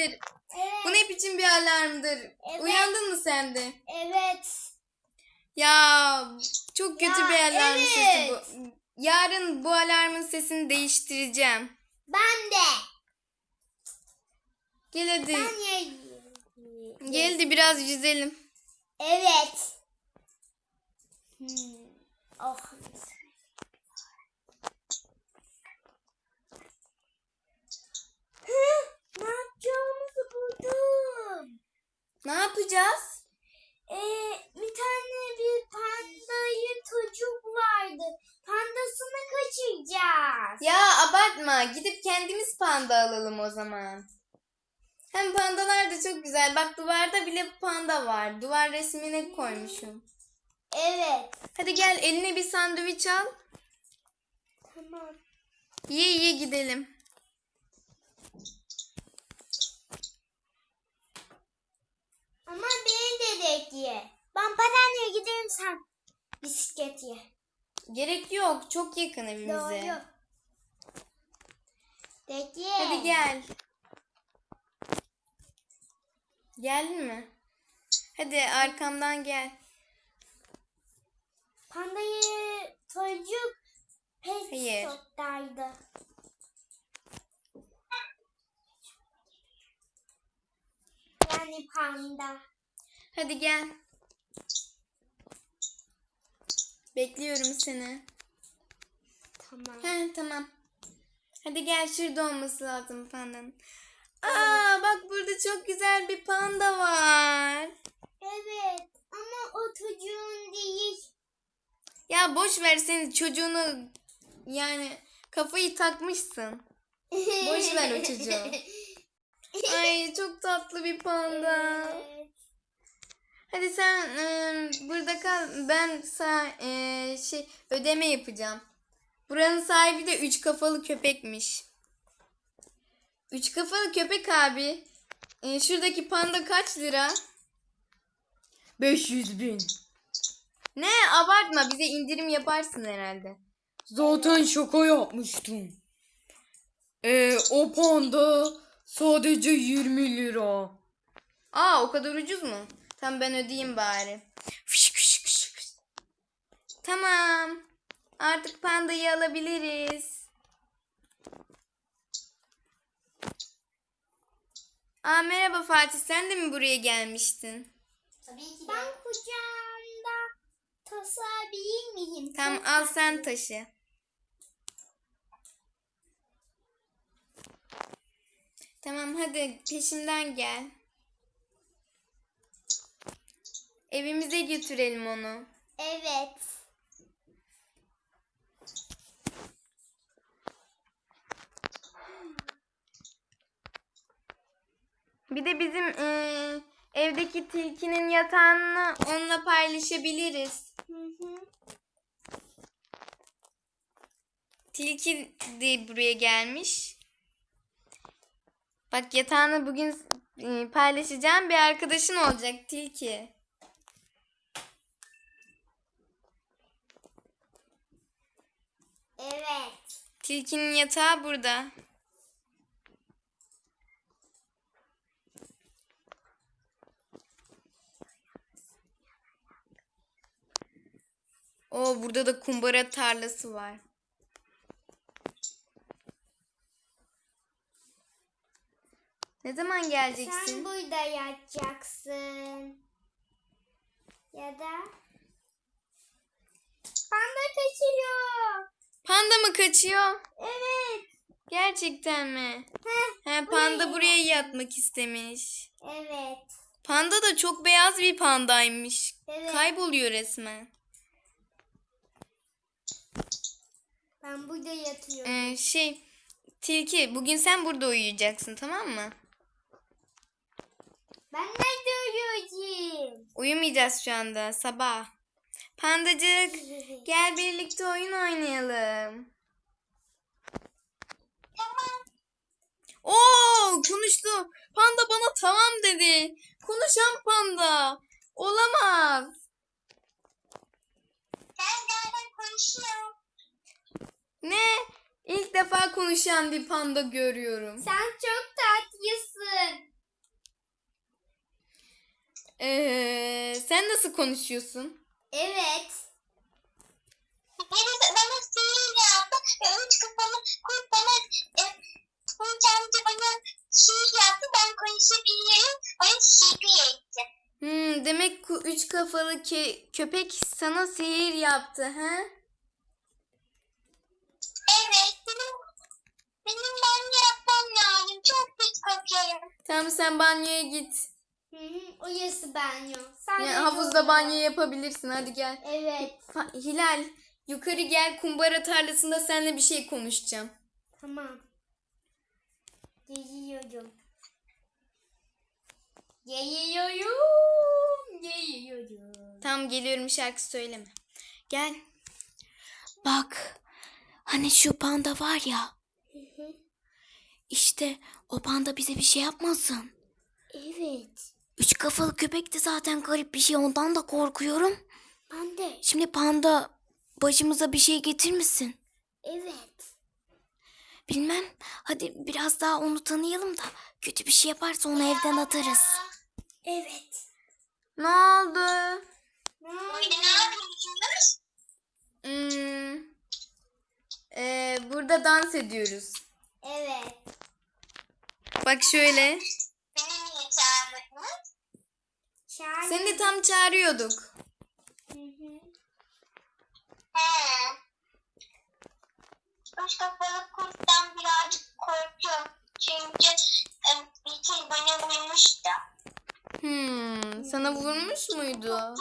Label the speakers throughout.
Speaker 1: nedir?
Speaker 2: Evet.
Speaker 1: Bu ne biçim bir alarmdır?
Speaker 2: Evet.
Speaker 1: Uyandın mı sen de?
Speaker 2: Evet.
Speaker 1: Ya çok kötü
Speaker 2: Ya,
Speaker 1: bir alarm sesi
Speaker 2: evet.
Speaker 1: bu. Yarın bu alarmın sesini değiştireceğim.
Speaker 2: Ben de.
Speaker 1: Gel hadi.
Speaker 2: Ben
Speaker 1: Gel de biraz yüzelim.
Speaker 2: Evet. Oh. Ne yapacağımızı buldum.
Speaker 1: Ne yapacağız?
Speaker 2: Bir tane bir pandayı çocuk vardı. Pandasını kaçıracağız.
Speaker 1: Ya abartma. Gidip kendimiz panda alalım o zaman. Hem pandalar da çok güzel. Bak duvarda bile panda var. Duvar resmine koymuşum.
Speaker 2: Evet.
Speaker 1: Hadi gel eline bir sandviç al.
Speaker 2: Tamam.
Speaker 1: Ye gidelim.
Speaker 2: Ama beni de bekle. Ben patenle giderim, sen bisiklet ye.
Speaker 1: Gerek yok. Çok yakın evimize.
Speaker 2: Doğru. Bekle.
Speaker 1: Hadi gel. Geldin mi? Hadi arkamdan gel.
Speaker 2: Pandayı çocuk pet
Speaker 1: Hayır.
Speaker 2: shop'taydı. Yani panda.
Speaker 1: Hadi gel. Bekliyorum seni.
Speaker 2: Tamam.
Speaker 1: Tamam. Hadi gel, şurada olması lazım pandanın. Aa bak, burada çok güzel bir panda var.
Speaker 2: Evet ama o çocuğun değil.
Speaker 1: Ya boş ver, senin çocuğunu, yani kafayı takmışsın. Boş ver o çocuğu. Ay çok tatlı bir panda.
Speaker 2: Evet.
Speaker 1: Hadi sen burada kal. Ben ödeme yapacağım. Buranın sahibi de 3 kafalı köpekmiş. 3 kafalı köpek abi. Şuradaki panda kaç lira? 500.000. Ne, abartma, bize indirim yaparsın herhalde. Zaten şaka yapmıştım. O panda sadece 20 lira. Aa, o kadar ucuz mu? Tamam, ben ödeyeyim bari. Fış fış fış fış. Tamam. Artık pandayı alabiliriz. Aa, merhaba Fatih, sen de mi buraya gelmiştin?
Speaker 2: Tabii ki. Ben kucağımda taşıyabilir miyim?
Speaker 1: Tamam, al sen taşı. Tamam, hadi peşimden gel. Evimize götürelim onu.
Speaker 2: Evet.
Speaker 1: Bir de bizim evdeki tilkinin yatağını onunla paylaşabiliriz.
Speaker 2: Hı.
Speaker 1: Tilki de buraya gelmiş. Bak, yatağını bugün paylaşacağım, bir arkadaşın olacak Tilki.
Speaker 2: Evet.
Speaker 1: Tilkinin yatağı burada. Oo, burada da kumbara tarlası var. Ne zaman geleceksin?
Speaker 2: Sen burada yatacaksın. Ya da panda kaçıyor.
Speaker 1: Panda mı kaçıyor?
Speaker 2: Evet.
Speaker 1: Gerçekten mi?
Speaker 2: Heh,
Speaker 1: Panda buraya yatmak istemiş.
Speaker 2: Evet.
Speaker 1: Panda da çok beyaz bir pandaymış.
Speaker 2: Evet.
Speaker 1: Kayboluyor resmen.
Speaker 2: Ben burada yatıyorum.
Speaker 1: Tilki, bugün sen burada uyuyacaksın, tamam mı?
Speaker 2: Ben nerede uyuyacağım?
Speaker 1: Uyumayacağız şu anda, sabah. Pandacık, gel birlikte oyun oynayalım.
Speaker 2: Tamam.
Speaker 1: Oo, konuştu. Panda bana tamam dedi. Konuşan panda. Olamaz.
Speaker 2: Ben konuşuyorum.
Speaker 1: Ne? İlk defa konuşan bir panda görüyorum.
Speaker 2: Sen çok tatlısın.
Speaker 1: Sen nasıl konuşuyorsun?
Speaker 2: Evet.
Speaker 3: Birisi bana sihir yaptı ve 3 kafalı kurt bana kurt amca bana sihir yaptı. Ben konuşabiliyorum. Bana teşekkür etti.
Speaker 1: Demek 3 kafalı köpek sana sihir yaptı, ha?
Speaker 3: Evet, benim banyo yapmam lazım. Çok pis kokuyorum.
Speaker 1: Tamam, sen banyoya git.
Speaker 2: Orası banyo.
Speaker 1: Yani
Speaker 2: Sadece
Speaker 1: havuzda
Speaker 2: orada.
Speaker 1: banyo yapabilirsin. Hadi gel.
Speaker 2: Evet.
Speaker 1: Hilal, yukarı gel. Kumbara tarlasında seninle bir şey konuşacağım.
Speaker 2: Tamam. Geliyorum. Geliyorum.
Speaker 1: Tamam, geliyorum, şarkı söyleme. Gel. Bak. Hani şu panda var ya. İşte o panda bize bir şey yapmasın.
Speaker 2: Evet.
Speaker 1: 3 kafalı köpek de zaten garip bir şey. Ondan da korkuyorum.
Speaker 2: Ben de.
Speaker 1: Şimdi panda başımıza bir şey getirmesin.
Speaker 2: Evet.
Speaker 1: Bilmem. Hadi biraz daha onu tanıyalım da kötü bir şey yaparsa onu evden atarız.
Speaker 2: Evet.
Speaker 1: Ne oldu?
Speaker 3: Burada ne yapıyorsunuz?
Speaker 1: Burada dans ediyoruz.
Speaker 2: Evet.
Speaker 1: Bak şöyle.
Speaker 3: Beni niye çağırmadınız?
Speaker 1: Seni de tam çağırıyorduk.
Speaker 3: He. 3 kafalı kurttan birazcık korkuyorum. Çünkü bir şey bana vurmuş da.
Speaker 1: Sana vurmuş muydu?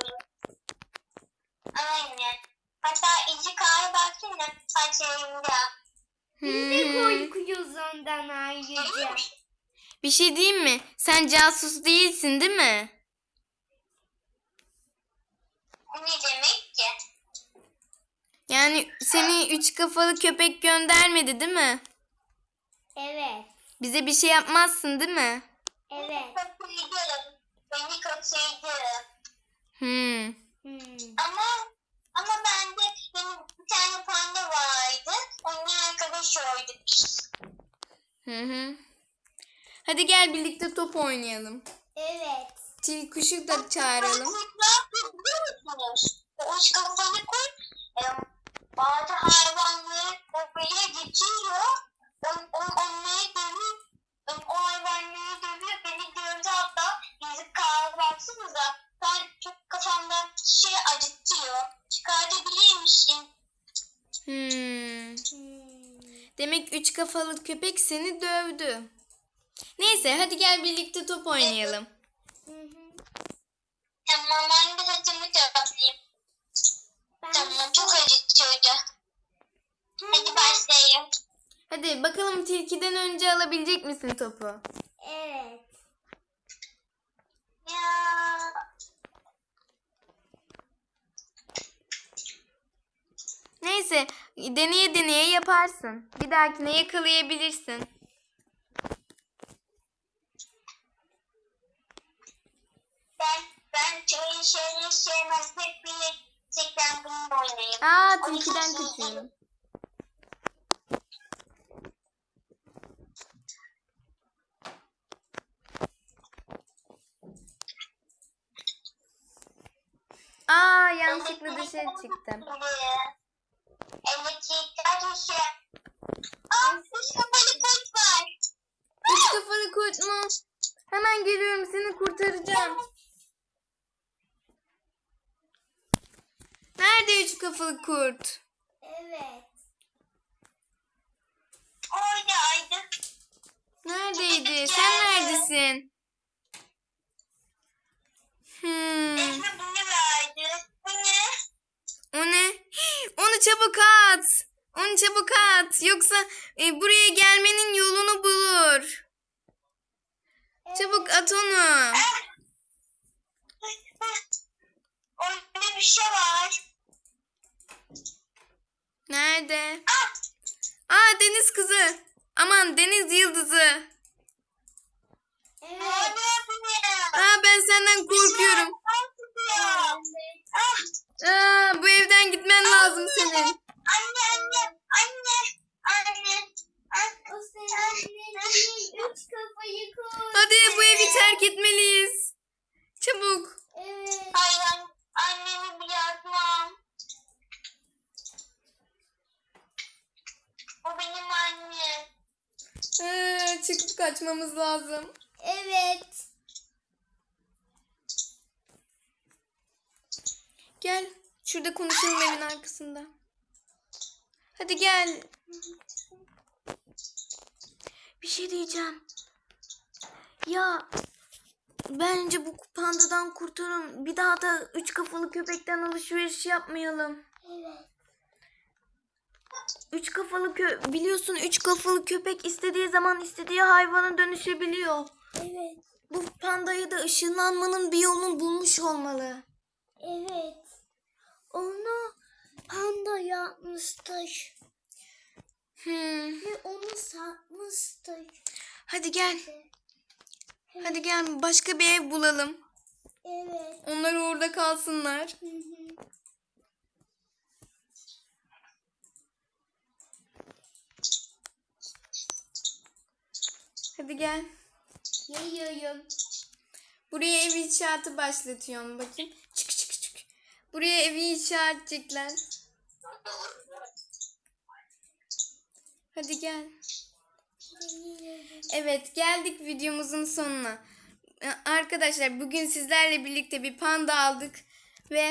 Speaker 3: Aynen. Hatta izi kahve baksana saçlarımda.
Speaker 2: Biz de korkuyoruz ondan ayrıca.
Speaker 1: Bir şey diyeyim mi? Sen casus değilsin, değil mi?
Speaker 3: Ne demek ki?
Speaker 1: Yani seni 3 kafalı köpek göndermedi, değil mi?
Speaker 2: Evet.
Speaker 1: Bize bir şey yapmazsın, değil mi?
Speaker 2: Evet.
Speaker 3: Kaçırdım. Beni kaçırdı. Ama bende benim bir tane panda vardı. Onunla arkadaş olduk biz.
Speaker 1: Hadi gel birlikte top oynayalım.
Speaker 2: Evet.
Speaker 1: Tilkuşu da çağıralım.
Speaker 3: Kurtlar biliyor musunuz? O 3 kafalı kurt bazı hayvanları oraya getiriyor. Onları dövüyor. O hayvanları dövüyor. Beni gördü hatta. Yazık kahve baksanıza. Ben çok kafamda şey acıtıyor. Çıkartabilir misin?
Speaker 1: Demek 3 kafalı köpek seni dövdü. Neyse, hadi gel birlikte top oynayalım.
Speaker 3: Tamam, ben de saçımı toplayayım. Tamam, çok acıtıyordu. Hadi başlayalım.
Speaker 1: Hadi bakalım, tilkiden önce alabilecek misin topu?
Speaker 2: Evet.
Speaker 3: Ya.
Speaker 1: Neyse, deneye deneye yaparsın. Bir dahakine yakalayabilirsin.
Speaker 3: Ben çoğu şeyleri sevmez. Hep birlikten bununla oynayayım.
Speaker 1: Tilkiden kaçıyorum. Yanlışlıkla dışarı çıktım.
Speaker 3: Elektrikler dışı. Üç kafalı kurt var.
Speaker 1: 3 kafalı kurt mu? Hemen geliyorum, seni kurtaracağım. Nerede 3 kafalı kurt?
Speaker 2: Evet.
Speaker 3: Oradaydı.
Speaker 1: Neredeydi? Sen neredesin?
Speaker 3: Elime bunu verdi. Bu ne?
Speaker 1: O ne? Onu çabuk at. Onu çabuk at. Yoksa buraya gelmenin yolunu bulur. Çabuk at onu.
Speaker 3: Orada bir şey var.
Speaker 1: Nerede? Deniz kızı. Aman, deniz yıldızı.
Speaker 2: Evet.
Speaker 1: Ben senden korkuyorum. Bu evden gitmen lazım senin.
Speaker 3: Anne.
Speaker 2: O senin dediğin 3 kafayı koy.
Speaker 1: Hadi bu evi terk etmeliyiz. çıkıp kaçmamız lazım.
Speaker 2: Evet.
Speaker 1: Gel. Şurada konuşalım evin arkasında. Hadi gel. Bir şey diyeceğim. Ya bence bu pandadan kurtarın. Bir daha da 3 kafalı köpekten alışveriş yapmayalım.
Speaker 2: Evet.
Speaker 1: 3 kafalı biliyorsun 3 kafalı köpek istediği zaman istediği hayvana dönüşebiliyor.
Speaker 2: Evet.
Speaker 1: Bu pandayı da ışınlanmanın bir yolunu bulmuş olmalı.
Speaker 2: Evet. Onu panda yapmıştır. Ve onu satmıştır.
Speaker 1: Hadi gel. Hadi gel başka bir ev bulalım.
Speaker 2: Evet.
Speaker 1: Onlar orada kalsınlar.
Speaker 2: Hı hı.
Speaker 1: Hadi gel.
Speaker 2: Yayıyorum.
Speaker 1: Buraya ev inşaatı başlatıyorum bakayım. Çık çık çık. Buraya evi inşa edecekler. Hadi gel. Evet geldik videomuzun sonuna. Arkadaşlar bugün sizlerle birlikte bir panda aldık. Ve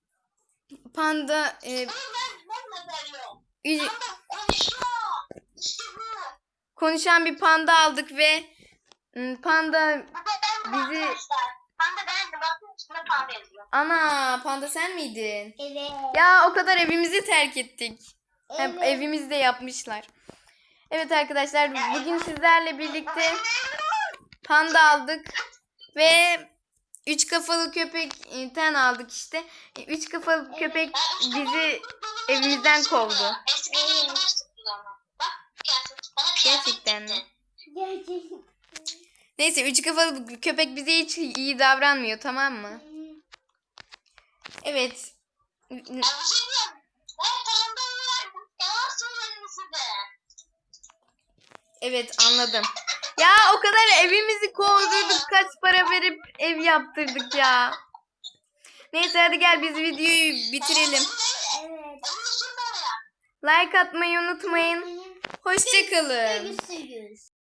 Speaker 1: panda
Speaker 3: Ben de görüyorum.
Speaker 1: ü-
Speaker 3: Konuşuyor. İşte bu.
Speaker 1: konuşan bir panda aldık ve panda
Speaker 3: Bu da ben
Speaker 1: bizi...
Speaker 3: arkadaşlar. Ben de beğendim. Bakın üstüne pembe yazıyor.
Speaker 1: Ana panda sen miydin?
Speaker 2: Evet.
Speaker 1: Ya o kadar evimizi terk ettik. Hem
Speaker 2: Evet.
Speaker 1: evimizi de yapmışlar. Evet arkadaşlar bugün sizlerle birlikte panda aldık ve 3 kafalı köpekten aldık işte. 3 kafalı köpek bizi evimizden kovdu.
Speaker 3: Eskiden yılmazsınız ama. Bak kıyafet. Bana kıyafet
Speaker 1: Gerçekten mi?
Speaker 3: dikti.
Speaker 2: Gerçekten.
Speaker 1: Neyse 3 kafalı köpek bize hiç iyi davranmıyor, tamam mı? Evet.
Speaker 3: Ya bir şey diyeyim. Ben pandayı yalan söyledim size.
Speaker 1: Evet anladım. Ya o kadar evimizi kovdurduk, kaç para verip ev yaptırdık ya. Neyse hadi gel biz videoyu bitirelim.
Speaker 2: Evet.
Speaker 1: Like atmayı unutmayın. Hoşça kalın.
Speaker 2: Görüşürüz.